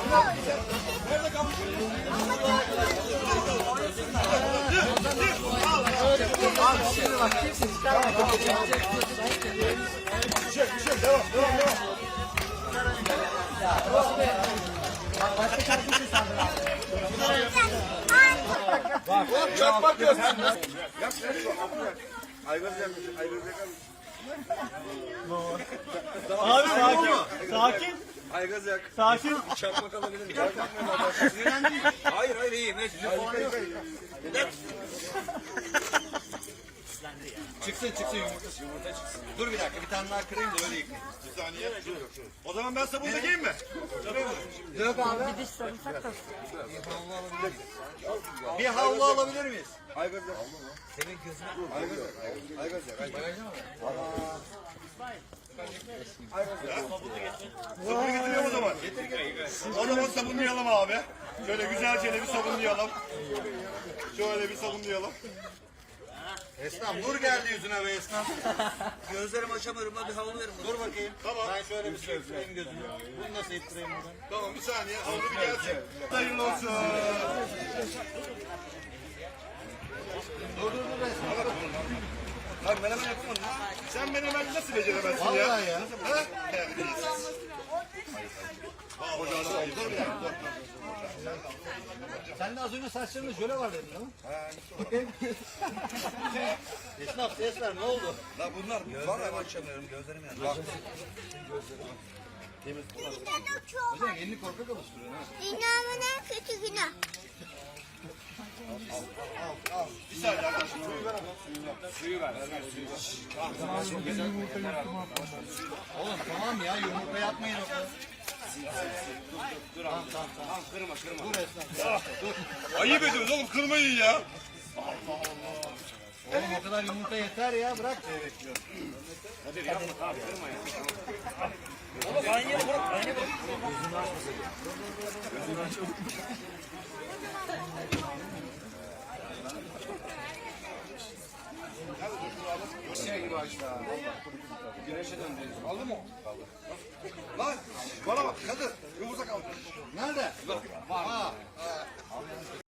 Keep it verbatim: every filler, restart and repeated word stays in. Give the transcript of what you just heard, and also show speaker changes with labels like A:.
A: Nerede kalmış?
B: Abi şimdi bak kimse çıkarmadı.
A: Bir şey, bir şey. Devam, devam, devam.
B: Başka şarkı mı sandın abi?
A: Bak, çok bakıyorsun. Yap, yap. Aygaz yakmış, aygaz yakmış.
C: Abi sakin, sakin,
A: Aygaz yak.
C: sakin.
A: Çakmak alabilir miyim? Çakmak mı? Hayır, hayır, iyi. Ne? Çıksın, çıksın yumurtası, yumurta çıksın. Dur bir dakika, bir tane daha kırayım da öyle yıkayayım. Bir saniye. O zaman ben sabun dökeyim mi?
B: Dök abi.
D: Bir diş sarımsak da.
A: Bir havlu alabilir miyiz? Aygaz yak. Senin gözüne. Aygaz yak, aygaz yak. Aygaz yak. Sabunu getiriyorum o zaman. O zaman sabunlayalım abi. Şöyle güzelce bir sabunlayalım. Şöyle bir sabunlayalım. Esnaf nur geldi yüzüne be esnaf.
E: Gözlerimi açamıyorum. Hadi havlu verin.
A: Dur bakayım. Tamam. Ben şöyle bir şey ittireyim gözümü. Bunu nasıl ittireyim buradan? Tamam bir saniye. Havlu bir gelsin. Hayırlı olsun. Dur dur dur esnaf. Bak menemen yapamadın. Sen menemen nasıl beceremezsin ya? Vallahi ya. Ha? Terbiyesiz. Dur bir dakika. Dur.
B: Sen de az önce saçlarında jöle var dedin değil mi?
A: Esnaf ses ver ne oldu?
E: La bunlar var ama açamıyorum. Gözlerim yanıyor.
A: Bak.
B: Hocam elini korkak alıştırıyor ha.
F: Dünyanın en kötü günü.
A: Bir saniye arkadaşım. Suyu ver ama. Suyu ver. Suyu ver.
B: Oğlum tamam ya yumurta yapmayın o kadar.
A: Dur tamam tamam tamam. Kırma kırma.
B: Dur esnaf.
A: Ayıp ediyoruz oğlum kırmayın ya.
B: Oğlum o kadar yumurta yeter ya bırak.
A: Hadi yapma abi kırma ya. Şey gibi açtı. Güneşe döndü. Aldı mı? Aldı. Lan bana bak kadın yumurta kaldı.
B: Nerede?
A: Bak. Var.
B: Ha.